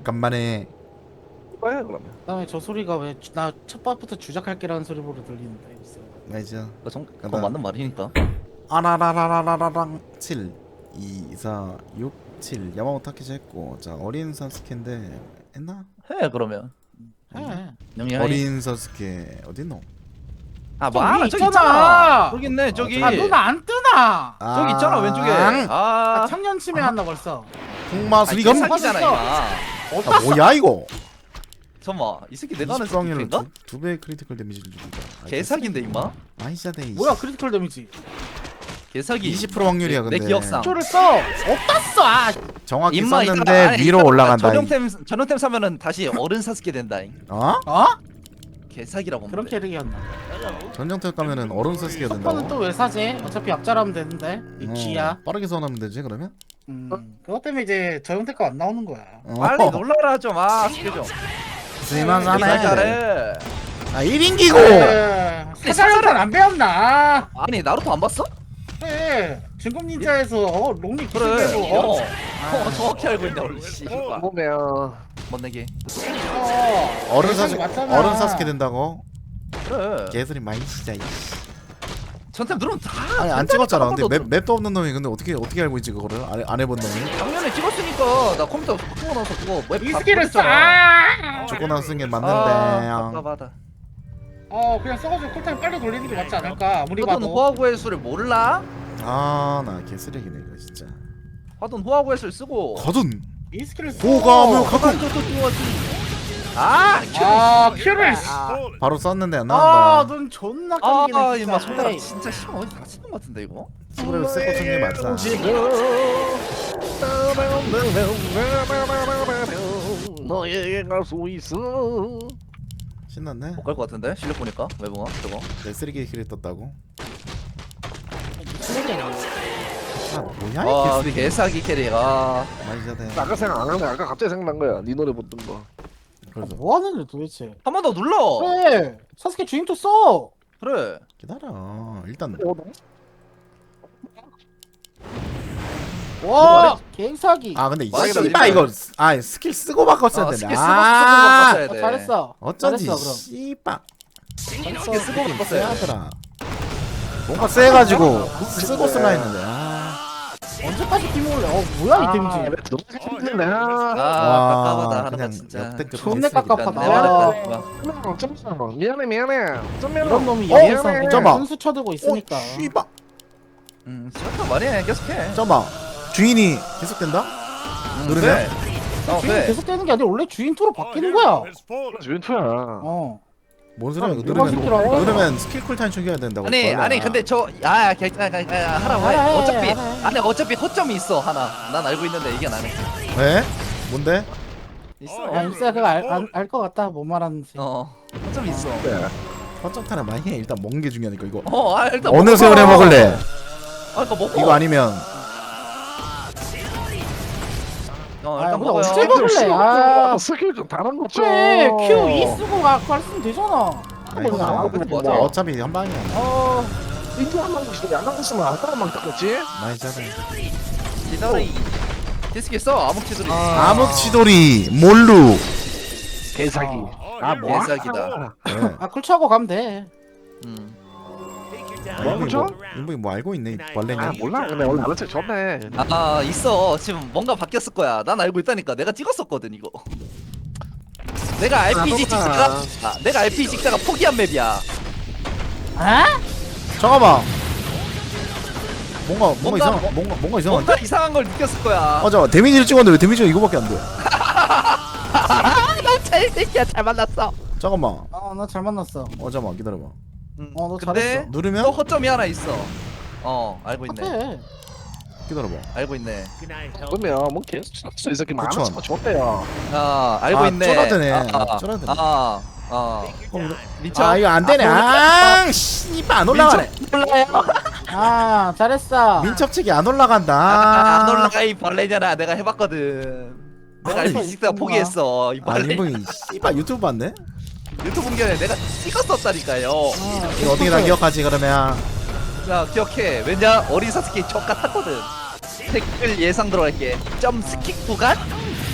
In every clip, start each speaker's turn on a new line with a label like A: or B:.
A: 간만에
B: 뭐야 그러면?
C: 그다음에 저 소리가 왜 나 첫 번부터 주작할게라는 소리로 들리는데.
A: 맞아.
D: 그거 맞는 말이니까.
A: 아라라라라라랑 7 2 4 6 7 야마모토 타케시 했고, 자 어린 사스케인데 했나?
D: 해 그러면.
C: 해.
D: 영희
A: 어린 사스케 어딨노?
D: 아뭐
C: 저기
D: 알아 저기
C: 있잖아.
D: 있잖아. 저기 있네 저기.
C: 아 눈 안 뜨나?
D: 저기 있잖아 왼쪽에.
C: 아
D: 아
C: 청년 치매 한다 벌써.
A: 풍마수리검?
D: 개사기잖아 이마.
A: 아 뭐야 이거?
D: 잠깐만 이 새끼 내가 하는
A: 20방울로
D: 새끼인가?
A: 두배 크리티컬 데미지를 줍니다.
D: 개사기인데 임마.
A: 아이샤데
C: 뭐야 크리티컬 데미지.
D: 개사기.
A: 20% 확률이야 근데.
D: 내 기억상.
C: 초를 써. 없다 써. 아.
A: 정확히
D: 임마
A: 썼는데 위로 올라간다.
D: 전용템 사면은 다시 어른 사스게 된다잉.
A: 어?
C: 어?
D: 개사기라고.
C: 그런
D: 그래.
C: 캐릭이었나?
A: 전정택 가면은 어른 사스케가 된다고.
C: 첫번은 또 왜 사지? 어차피 약자라면 되는데. 이 쥐야.
A: 빠르게 선하면 되지 그러면?
C: 그것 때문에 이제 저형태가 안 나오는 거야.
D: 빨리 놀라라 좀. 아 스케 좀.
A: 쓸만하네.
D: 잘해.
A: 아 1인기고.
C: 사자형탄 안 배웠나?
D: 아니 나루토 안 봤어?
C: 그래. 진검 닌자에서 롱리
D: 그래.
C: 기술대로
D: 정확히 알고 있네 원래 씨.
B: 보면
D: 못 내게.
A: 어른 사스
C: 맞잖아.
A: 어른 사스케 된다고?
D: 그래.
A: 개소리 많이 진짜.
D: 전템 누르면 다.
A: 아니 안
D: 된다니까,
A: 찍었잖아.
D: 한
A: 근데
D: 번도.
A: 맵도 없는 놈이 근데 어떻게 알고 있지 그거를? 안 해본 놈이?
D: 작년에 찍었으니까 나 컴퓨터 바꾸고 나서 그거 웹
C: 이
D: 다
C: 스킬을 써.
D: 보냈잖아.
A: 조건 안 쓴 게
D: 아,
A: 맞는데.
D: 답답하다.
C: 그냥 써가지고 쿨타임 빨리 돌리는 게 맞지 않을까? 아무리
D: 화돈
C: 봐도.
D: 호화구의 수를 몰라?
A: 아나 개쓰레기네 이거 진짜.
D: 화돈 호화구의 수를 쓰고.
A: 거둔
C: 이 스킬을 써.
A: 호감을 갖고
D: 아,
C: 큐를.
A: 바로 썼는데 안 나온다.
C: 눈 존나 깜기네
D: 아,
C: 진짜.
D: 이마 손가락 진짜 심어 어디 다치는 것 같은데 이거?
A: 그래도 세고 쓴 게 맞아.
B: 너에게 갈 수 있어.
A: 신났네.
D: 못 갈 것 같은데 실력 보니까 외붕아 저거.
A: 내 쓰레기 킬이 떴다고. 아 뭐야
D: 아,
A: 이 개쓰레기.
D: 개사기 캐릭. 아,
A: 많이 자대.
B: 아까 생각 안 하는데 아까 갑자기 생각난 거야. 네 노래 붙던 거.
A: 그래서
C: 뭐 하는데 도대체?
D: 한 번 더 눌러.
C: 그래. 사스케 주인도 써.
D: 그래.
A: 기다려. 일단
C: 와, 개사기.
A: 근데 이
D: 맞아,
A: 씨발
D: 맞아.
A: 이거 스킬 쓰고 바꿨어야 되네.
D: 스킬 쓰고 바꿨어야 돼.
C: 잘했어.
A: 어쩐지
C: 잘했어, 그럼.
A: 씨발
D: 스킬 쓰고 바꿨어야 돼.
A: 세하더라. 뭔가 세가지고 쓰고 쓰라 했는데.
C: 언제까지 팀올래? 뭐야 이 데미지?
B: 너무
D: 아, 깝깝하다 하는 거
A: 그냥
D: 진짜.
A: 역대급
C: 존내 깝깝하다.
D: 내 말했다.
B: 미안해 미안해.
C: 이런 놈이
B: 미안해.
C: 여기서 그냥
A: 잠깐만.
C: 순수 쳐들고 있으니까.
A: 씨발.
D: 시작한 말이야 계속해.
A: 잠깐만. 주인이 계속된다? 누르면?
D: 네.
C: 주인
D: 네.
C: 계속 되는 게 아니라 원래 주인 투로 바뀌는 거야.
B: 주인투야.
A: 뭔 소리야? 이거
C: 누가 시키라고?
A: 누르면 스킬 쿨타임 초기화 된다고.
D: 아니
A: 벌레야.
D: 아니 근데 저 하라고 해.
C: 해,
D: 어차피
C: 해.
D: 아니 어차피 허점이 있어 하나. 난 알고 있는데 이게 나는
A: 왜? 뭔데?
D: 있어.
C: 야, 임스야 그거 알 것 같다. 뭔 말하는지.
D: 허점이 있어.
B: 네.
A: 허점타나 많이 해. 일단 먹는 게 중요하니까 이거.
D: 일단
A: 어느
D: 먹어.
A: 세월에 먹을래?
D: 그러니까 먹어.
A: 이거 아니면
D: 일단
C: 근데
D: 먹어요.
C: 언제 먹을래?
B: 스킬 좀 다른 거
C: 그래, Q2 쓰고 갔으면 되잖아.
A: 아니,
D: 먹어.
A: 아,
D: 그래,
A: 뭐,
D: 맞아.
A: 어차피 한 방이야.
B: 인투 한 방씩 있으면 안 나갔으면 아까만 닦았지.
A: 많이 자네.
D: 기다리. 디스키 써 암흑치들이.
A: 암흑치돌이 몰루.
B: 개사기.
D: 뭐 개사기다.
A: 네.
C: 쿨차고 가면 돼.
A: 인부이 뭐 알고 있네 이 벌레냐?
B: 몰라. 근데 원래 알았지 좋네.
D: 있어. 지금 뭔가 바뀌었을 거야. 난 알고 있다니까. 내가 찍었었거든 이거. 내가 RPG 찍다가 포기한 맵이야.
C: 아?
A: 잠깐만. 뭔가
D: 뭔가
A: 이상 뭔가 이상한데?
D: 뭔가 이상한 걸 느꼈을 거야.
A: 잠깐 데미지를 찍었는데 왜 데미지가 이거밖에 안 돼?
D: 잘 새끼야 잘 만났어.
A: 잠깐만.
C: 나 잘 만났어.
A: 잠깐만 기다려봐.
C: 너
D: 근데
C: 잘했어.
A: 누르면
D: 또 허점이 하나 있어. 알고 있네.
C: 똑같아.
A: 기다려봐.
D: 알고 있네.
B: 그러면 뭐 계속 쳤어 이 새끼
A: 그쵸.
B: 많았으면 좋대요.
D: 알고 있네.
A: 쫄아드네. 쫄아드네.
D: 미쳐.
A: 이거 안 되네. 씨발 안 올라가네.
C: 잘했어.
A: 민첩책이 안 올라간다.
D: 안 올라가 이 벌레잖아. 내가 해봤거든. 내가
A: 아니,
D: RPG 찍다가 포기했어. 이 벌레.
A: 인부이 씨발 유튜브 봤네?
D: 유튜브 공개에 내가 찍었었다니까요.
A: 이거 어떻게 다 기억하지 그러면?
D: 자 기억해. 왜냐 어린 사스케 족 같았거든. 댓글 예상 들어갈게. 점 스킵 구간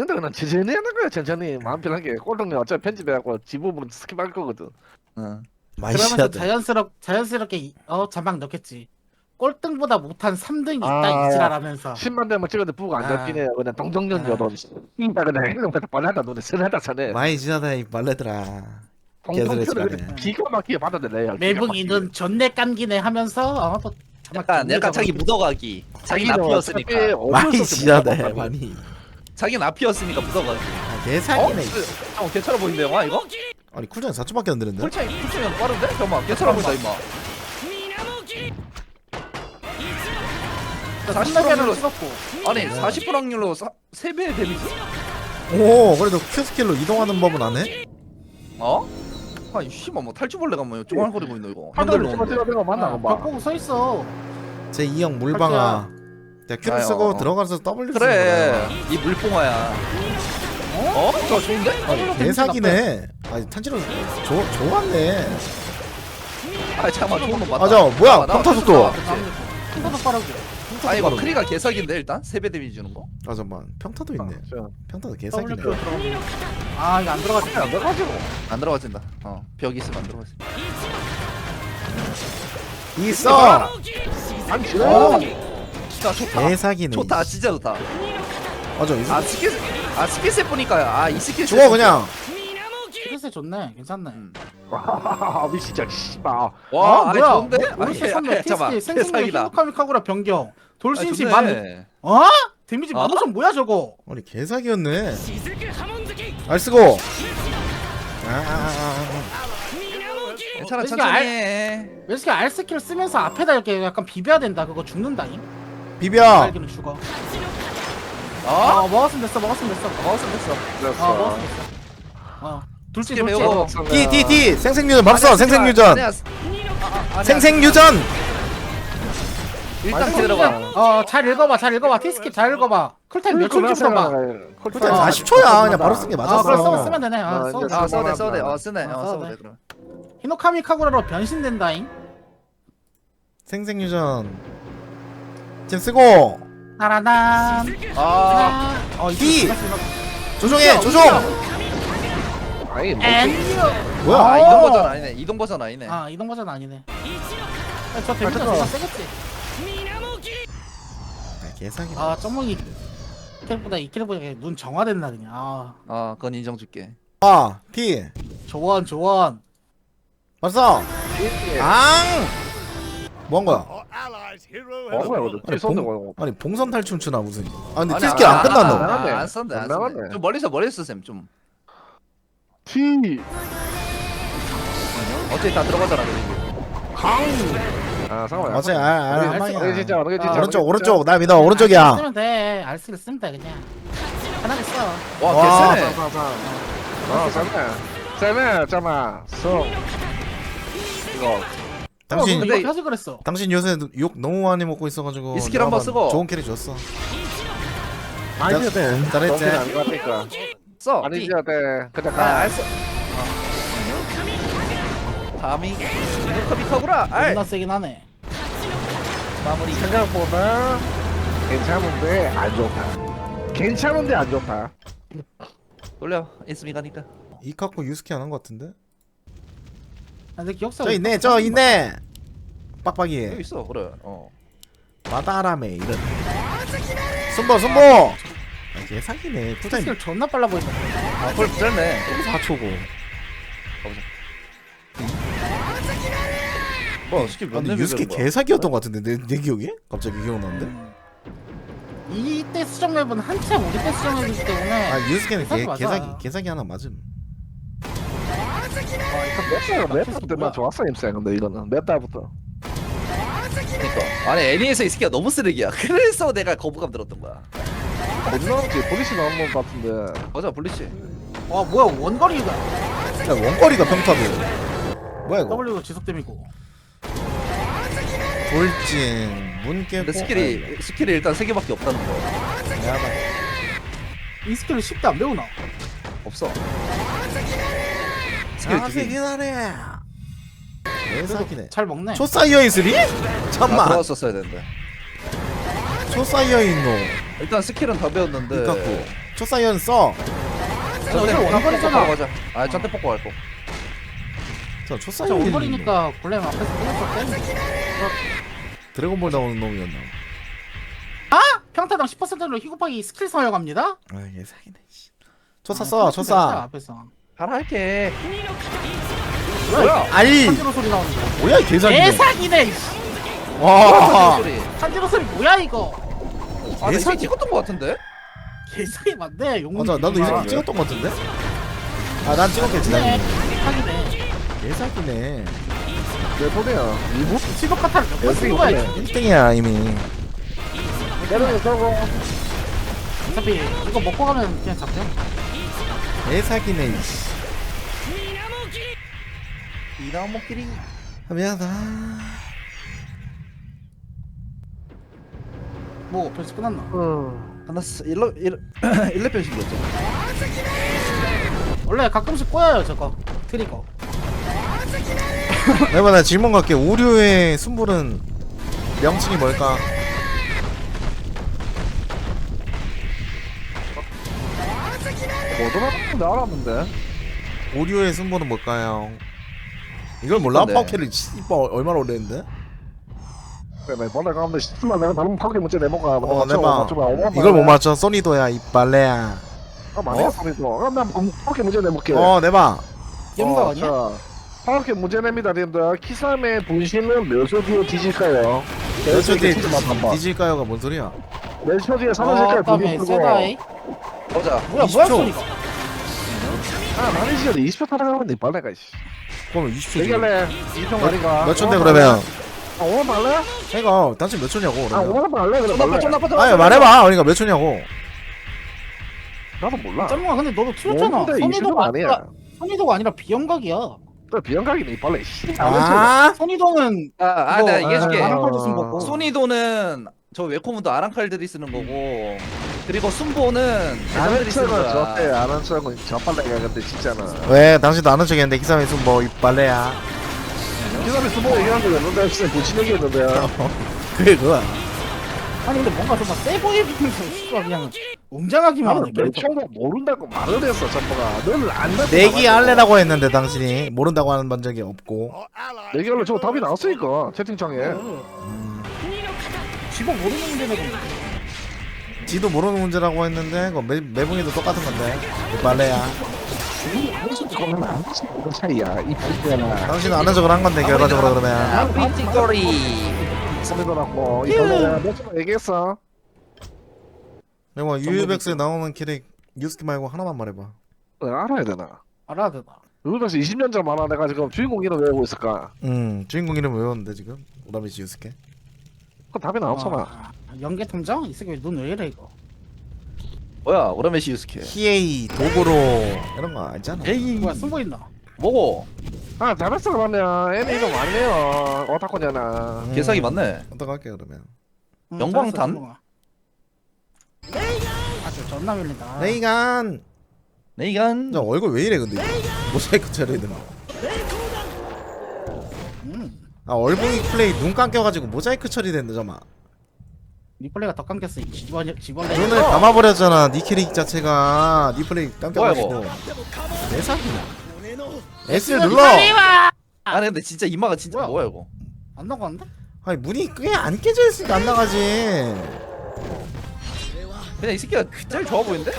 B: 있는데 그냥 천천히 하는 거야. 천천히 마음 편하게. 꼴등이 어차피 편집해갖고 지부분 스킵할 거거든.
D: 응.
A: 많이
C: 그러면서
A: 시야돼.
C: 자연스럽게 자막 넣겠지. 꼴등보다 못한 3등이 있다
B: 아,
C: 이지랄하면서.
B: 10만 대면 찍어도 부가 안
C: 아.
B: 잡히네. 그냥 동정연녀도. 그냥 행동 뻔하다 눈에 선하다 선해.
A: 많이 지나다 이 말레들아. 개소리
B: 동정표를
A: 치라네.
B: 그냥 기가 막히게 받아들여요.
C: 매붕이는 존내 깜기네 하면서 또 자막
D: 약간
C: 존내
D: 자기
C: 적어놓고.
D: 묻어가기. 자기 나피였으니까.
A: 많이 지나다 많이.
D: 자기 나피였으니까 묻어가기.
A: 아, 개사기네.
D: 괜찮아 보이는데 영화 이거?
A: 아니 쿨장이 4초밖에 안 되는데?
D: 쿨차이 빠른데? 잠깐만 괜찮아 보인다 임마. 40%
C: 300개를
D: 확률로
C: 찍었고.
D: 아니 40% 확률로 3배의 데미지?
A: 오 그래도 Q 스킬로 이동하는 법은 안 해?
D: 어? 아이 씨발 뭐 탈주벌레가 뭐 쪼갈거리고 있노 이거.
B: 한달
D: 핸들로
B: 찍어 찍어 만나
C: 벽
B: 봐.
C: 보고 서 있어.
A: 제 2형 물방아. 내가 Q를
D: 아유,
A: 쓰고 들어가서 W 쓰는
D: 그래
A: 거야.
D: 이 물뽕아야. 어? 저 좋은데?
A: 아니 개사기네. 아니 탄지로 좋았네.
D: 아 잠깐만 좋은 거 맞다.
A: 맞아 뭐야
D: 나
A: 평타 속도.
C: 킹보드 빠르고.
D: 아 이거 크리가 개사기인데 일단 3배 데미지 주는 거?
A: 아 잠만 평타도 있네. 평타도 개사기네.
C: WQ 들어가면. 아 이거 안 들어가지.
B: 안 들어가지고.
D: 안 들어가진다. 벽 있으면 안 들어가지.
A: 있어.
B: 안
D: 어.
B: 지나.
D: 진짜 좋다.
A: 개사기네.
D: 좋다 진짜 좋다.
A: 맞아 있어.
D: 스킬셋 보니까 이 스킬셋
A: 죽어 그냥.
C: 그래서 좋네. 괜찮네.
B: 미 진짜 씨발.
D: 와 아니,
C: 뭐야?
D: 좋은데?
C: 오르세
D: 아니,
C: 선배
D: 잠깐만,
C: 티스키 생생력
D: 개사기다.
C: 히노카미카구라 변경. 돌신시
D: 아니,
C: 만.
D: 좋네.
C: 어? 데미지
D: 어?
C: 15,000 뭐야 저거?
A: 아니 개사기였네. 알 쓰고.
D: 괜찮아
C: 왜 이렇게
D: 천천히 해.
C: 왜 이렇게 R 스킬 쓰면서 앞에다 이렇게 약간 비벼야 된다. 그거 죽는다잉.
A: 비벼.
C: 알기는 죽어.
D: 어?
C: 먹었으면 됐어. 먹었으면 됐어.
D: 먹었으면 됐어.
C: 먹었으면 됐어. 둘째
D: 스킬
C: 둘째.
D: 배우고.
A: T 생생유전 봤어 생생유전.
D: 아니야.
A: 생생유전.
D: 일단 기다려봐.
C: 잘 읽어봐. 잘 읽어봐. 티스킵 잘 읽어봐. 쿨타임 몇 초인지 써봐.
A: 쿨타임 40초야. 그냥 바로 쓴 게
C: 그걸
A: 맞았어.
C: 쓰면 되네. 써도 돼.
D: 써대 쓰네.
C: 써도
D: 써도
C: 돼.
D: 돼 그럼.
C: 히노카미 카구라로 변신된다잉.
A: 생생유전. 지금 쓰고.
C: 따라단.
A: D. 조종해 조종.
B: 아니 뭐
A: 뭐야?
D: 아 이동 버전 아니네. 이동 버전 아니네.
C: 이동 버전 아니네. 저 데미지가 존나 세겠지.
A: 개사기.
C: 점목이 킬보다 이 킬보다 눈 정화된다 그냥.
D: 그건 인정 줄게.
A: T.
C: 조원.
A: 봤어. 앙. 뭐한 거야?
B: 뭐야 이거.
A: 아니 봉선 탈춤 추나 무슨? 아 근데
D: 아니,
A: 티스킬 안 끝났노?
B: 나갔네.
D: 안 썼네. 안
B: 안
D: 썼네.
B: 나갔네.
D: 좀 멀리서 쌤 좀.
B: T
D: 어차피 다 들어가잖아 그리고.
B: 잠깐만.
A: 맞지? 알
B: 이게 진짜
A: 오른쪽 나 믿어 오른쪽이야.
C: 쓰면 돼. 알스를 쓰면 돼 그냥. 편하게 써.
D: 와 개쎄네.
B: 쌤에 잠깐만 이거
A: 당신
D: 근데
C: 이거 펴서 그랬어.
A: 당신 요새 욕 너무 많이 먹고 있어가지고
D: 이 스킬 한번 쓰고.
A: 좋은 캐릭 줬어.
B: 많이 줘야 돼.
A: 잘했지.
B: 안 가니까
D: 써.
B: 많이
D: 띠.
B: 줘야 돼. 그냥
D: 아,
B: 가.
D: 알았어. 감히 이노카미카구라. 알.
C: 존나 세긴 하네.
D: 마무리.
B: 생각보다 괜찮은데 안 좋다. 괜찮은데 안 좋다.
D: 돌려. 인스미 가니까.
A: 이카코 유스케 안 한 거 같은데?
C: 근데 기억사.
A: 저 있네 저 있네.
D: 여기
A: 빡빡이
D: 있어. 그래.
A: 마다라메 이런. 손보. 개사기네. 쿨타임
C: 스킬 존나 빨라 보인다.
D: 그걸 짧네.
A: 4초고.
D: 뭐야 스킬 몇
A: 근데
D: 레벨
A: 유스케
D: 되는 거야?
A: 개사기였던 것 같은데 내 기억에? 갑자기 기억나는데?
C: 이때 수정 맵은 한참 우리 때 수정 맵이기 때문에
A: 아 유스케는
C: 개사기 맞아.
A: 개사기 하나 맞음.
B: 몇 달부터 좋았어 임생. 근데 이거는 몇 달부터.
D: 그러니까 아니 애니에서 이 스킬가 너무 쓰레기야. 그래서 내가 거부감 들었던 거야.
B: 어디 나왔지? 보리시 나온 것 같은데.
D: 맞아 블리치.
C: 와 뭐야 원거리가
A: 야 원거리가 평타도. 뭐야 이거?
C: W가 지속됨이고
A: 돌진 문 깨고.
D: 근데 스킬이 일단 3개밖에 없다는 거.
A: 야다.
C: 이 스킬을 쉽게 안 배우나?
D: 없어. 스킬
A: 아
D: 2개.
A: 세긴 하네. 개사기네.
C: 잘 먹네.
A: 초사이어인 3? 잠만.
D: 들어왔었어야 되는데.
A: 초사이어인 노.
D: 일단 스킬은 다 배웠는데.
A: 이카쿠. 초사이어인 써.
D: 전대
C: 어차피 원거리잖아.
D: 가자. 아 전대 뽑고 갈 거.
A: 저
C: 저
A: 초사이어인.
C: 원거리니까 골렘 앞에서 끊었을 때
A: 드래곤볼 나오는 놈이었나?
C: 평타당 10%로 희곱하기 스킬 사용합니다.
A: 아 개사기네. 초사 써. 초사.
C: 앞에서
D: 하나 할게.
C: 뭐야?
A: 아니
C: 한지로 소리 나오는 거.
A: 뭐야 이 개사기네.
C: 개사기네.
A: 와.
D: 소리.
C: 한지로 소리 뭐야 이거?
D: 아, 나 이거
A: 개사기.
D: 찍었던 거 같은데?
C: 개사기 맞네. 용.
A: 맞아 나도 이 새끼 찍었던 것 같은데? 아 난 찍었겠지
C: 네.
A: 당연히.
C: 개사기네.
A: 개사기네.
B: 내 소리야. 이부?
C: 시도 카타를 몇번 쓰는 거야? 이거?
A: 1등이야 이미.
B: 때려서 서고.
C: 어차피 이거 먹고 가면 그냥 잡죠.
A: 개사기네.
D: 이나무끼리.
A: 아, 미안하다.
C: 뭐 벌써 끝났나?
D: 끝났어. 1레벨 신기였죠.
C: 원래 가끔씩 꼬여요 저거 트리거.
A: 내가 나 질문 갈게. 오류의 순불은 명칭이 뭘까?
B: 뭐더라? 나 알았는데.
A: 오류의 순불은 뭘까요? 이걸 몰라?
D: 뭔데?
A: 파워캐를 이뻐 얼마나 오래 했는데?
B: 그래, 이번에 가면 10만 내가 다른 파괴 문제 내모가.
A: 내봐. 이걸 못 맞춰. 소니도야 이 빨래야.
B: 아 맞아 소리도. 그럼 난 파괴 문제 내볼게.
A: 내봐.
C: 영가 아니야?
B: 자, 파괴 문제 냅니다, 님들. 키삼의 분신은 몇 초 뒤에 뒤질까요?
A: 몇 초 뒤에
B: 한번.
A: 뒤질까요가 뭔 소리야?
B: 몇 초 뒤에 사라질까요?
C: 다음에
B: 분신
C: 세다이.
D: 보자.
C: 뭐야
A: 20초.
C: 뭐야 소리가?
B: 아 많이 시간에 20초 타락하면 빨래가 씨.
A: 그러면 20초.
B: 얘기할래? 2초 말이가.
A: 몇 초인데 그러면?
B: 아 5만 말래?
A: 해가 당신 몇 초냐고
B: 아
A: 그러면?
B: 5만 말래? 그래
D: 존나
B: 말래.
D: 존나 빠져.
A: 아니 말해봐. 그러니까 몇 초냐고.
B: 나도 몰라.
C: 짬뽕아 근데 너도 틀렸잖아.
B: 뭔데 20초
C: 선이도가
B: 아니야.
C: 아니라 선이도가 아니라 비영각이야.
B: 또 비영각이네 빨래 씨.
A: 아
C: 선이도는
D: 내가 얘기해줄게.
C: 아랑칼도 쓴 거고.
D: 소니도는 저 웨코문도 아랑칼들이 쓰는 거고, 그리고 순보는 대장들이 쓰는
B: 아는 척은 저때
D: 거야.
B: 아는 척은 저 빨래가 근데 진짜는.
A: 왜 당신도 아는 척했는데 기사에 순뭐 빨래야.
B: 기사를 쓰고 얘기한 거 였는데 진짜 고친 얘기했는데.
A: 그게 그거야.
C: 아니 근데 뭔가 좀 세 보이면서 씨발 그냥 웅장하기만
B: 나는
C: 하네.
B: 몇 초도 모른다고 말을 했어 전부가. 너는 안다고.
A: 내기 할래라고 했는데 당신이 모른다고 하는 반 적이 없고.
B: 내기할래 저 답이 나왔으니까 채팅창에.
C: 지금 모르는 문제는
A: 지도 모르는 문제라고 했는데 그거 매봉이도 똑같은 건데 이 빨래야.
B: 그거는 안 되지. 이거 차이야. 이 발표나.
A: 당신은 아는 척을 한 건데 결과적으로 그러면
D: 아, 삐찌거리.
B: 소리더라고. 이 발표나 몇초 얘기했어.
A: 뭐 유유백스에 나오는 캐릭 유스키 말고 하나만 말해봐.
B: 알아야 되나?
C: 알아야 되나?
B: 유유백스 20년 전 만화 내가 지금 주인공 이름 외우고 있을까?
A: 주인공 이름 외웠는데 지금 오라미치 유스케.
B: 그 답이 나왔잖아.
C: 아, 연계 탐정? 이 새끼 눈 왜 이래 이거?
D: 뭐야 오라메시 유스케.
A: 히에이 도구로 이런 거 알잖아.
D: 에이
C: 뭐야 쓴 거 있나?
D: 뭐고?
B: 아 잘했어 그러면 애니 이름 아니네요. 오타코냐나.
D: 개사기 맞네.
A: 어떡할게 그러면.
D: 영광탄?
C: 잘했어, 쓴 거가. 아저 존나 밀린다.
A: 레이간.
D: 네이간.
A: 저 얼굴 왜 이래 근데 모자이크 처리해야 되나? 아 얼붕이 플레이 눈 감겨가지고 모자이크 처리된다 잠만.
C: 리플레이가 더 감겼어 이 집어내.
A: 눈을 감아버렸잖아 니 캐릭 자체가 니 플레이 감겨가지고.
D: 뭐야,
A: 내 사기나. S를 눌러.
D: 아니 근데 진짜 이마가 진짜
C: 뭐야?
D: 뭐야 이거?
C: 안 나가는데?
A: 아니 문이 꽤 안 깨져 있으니까 안 나가지.
D: 그냥 이 새끼가 제일 좋아 보이는데?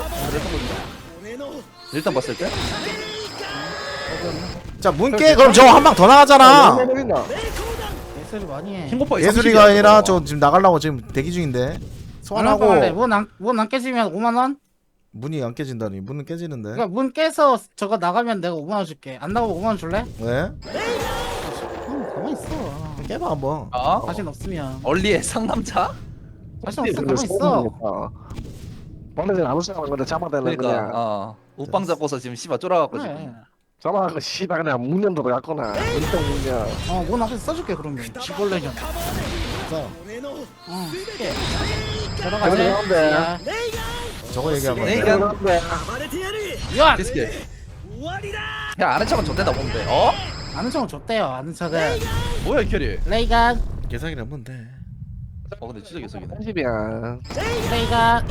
D: 일단 봤을 때?
A: 자 문 깨 그럼 저 한 방 더 나가잖아.
B: 내린다.
C: 소리 많이 해.
D: 킹고파
A: 예술이가 아니라 저 지금 나가려고 지금 대기 중인데 소환하고
C: 문안 깨지면 5만 원?
A: 문이 안 깨진다니. 문은 깨지는데.
C: 그러니까 문 깨서 저거 나가면 내가 5만 원 줄게. 안 나가면 5만 원 줄래?
A: 왜?
C: 가만 있어.
A: 깨봐 한번.
D: 어?
C: 자신 없으면.
D: 얼리의 상남자?
C: 자신 없으면 가만 있어.
B: 원래는 아무 생각 안 건데 잡아달래
D: 그러니까
B: 그냥
D: 옷방 잡고서 지금 씨발 쫄아갖고
C: 그래.
D: 지금
B: 잡아갖고 씨발 그냥 문년 들어갔거나 은동 문년
C: 문 앞에서 써줄게 그러면. 지벌레잖아.
A: 자,
C: 응. 들어가자.
B: 그런데.
A: 저거 얘기한 건데.
D: 네, 그냥
C: 야!
D: 디스크 야 아는 척은 좋대다 보면 돼 어?
C: 아는 척은 줬대요. 아는 척은.
D: 뭐야 이 캐리
C: 레이간.
A: 계산이라 하면 돼.
D: 근데 진짜 개석이네
B: 30이야
C: 레이간.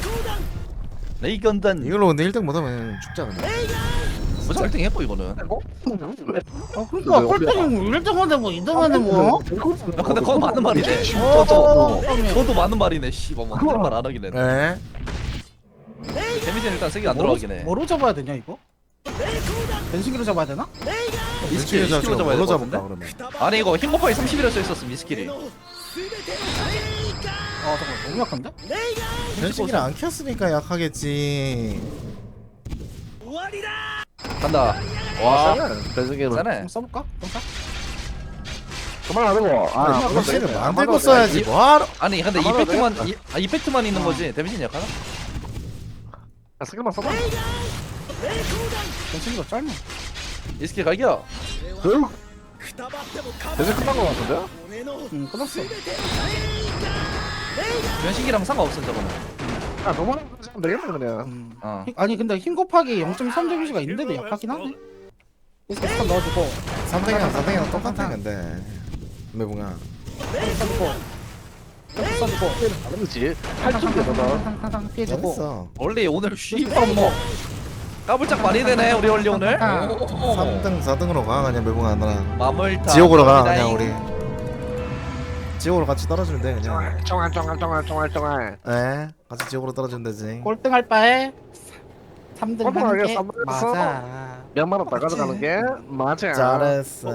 D: 레이건단
A: 이걸로 근데 1등 못하면 죽자 그냥.
D: 무슨 1등 했고 이거는
C: 그러니까 꼴등이 1등인데 뭐 2등인데 뭐.
D: 야 근데 그건 맞는 말이네
C: 그러면.
D: 그것도 맞는 말이네 씨발 뭐 그런 말안 하긴 했네
A: 네.
D: 데미지는 일단 세게 안 들어가긴 해
C: 뭐로 잡아야 되냐 이거? 변신기로 잡아야 되나?
D: 미스킬
A: 왼쪽에 잡지
D: 20kg 잡아야
A: 뭘로
D: 될것
A: 잡을까
D: 같은데?
A: 그러면.
D: 아니 이거 흰버퍼에 30이라 써있었음 미스킬이
C: 잠깐 너무 약한데?
A: 변신기를 안 켰으니까 약하겠지.
D: 간다 와
B: 배승기는
D: 짜네
C: 한번 써볼까? 볼까?
B: 그만 안 하고
A: 아, 변신을 만들고 써야지. 뭐하러?
D: 아니 근데
B: 아마도
D: 이펙트만 있는 거지 데미지는 약하나?
B: 스킬만 써봐
C: 변신기가 짧네.
D: 미스킬 갈겨
B: 배승 끝난 거 같은데?
C: 응 끝났어.
D: 변신기랑 상관없음 저거는
B: 아 너무 하면 되겠네 그냥
D: 어
C: 아니 근데 힘 곱하기 0.3 데미지가 있는데도 약하긴 하네. 그래서 스탄 넣어주고
A: 3등이랑 4등이랑 똑같아 근데. 매봉아.
C: 써주고 써주고
B: 다르지 8점대 너는
C: 항상 피해주고.
A: 잘했어.
D: 원래 오늘 쉬퍼 뭐 까불짝 많이 되네 우리 원리 오늘
A: 3등 4등으로 가 그냥 매봉아 너랑.
D: 마물타
A: 지옥으로 가 그냥 우리. 지옥으로 같이 떨어지면 돼 그냥.
B: 쫑알
A: 에 같이 지옥으로 떨어지면 되지.
C: 꼴등할 바에 3등 하는
B: 꼴등하게
C: 게
B: 3등 했어.
C: 맞아.
B: 몇만 원 더 가져가는 게 맞아
A: 잘했어.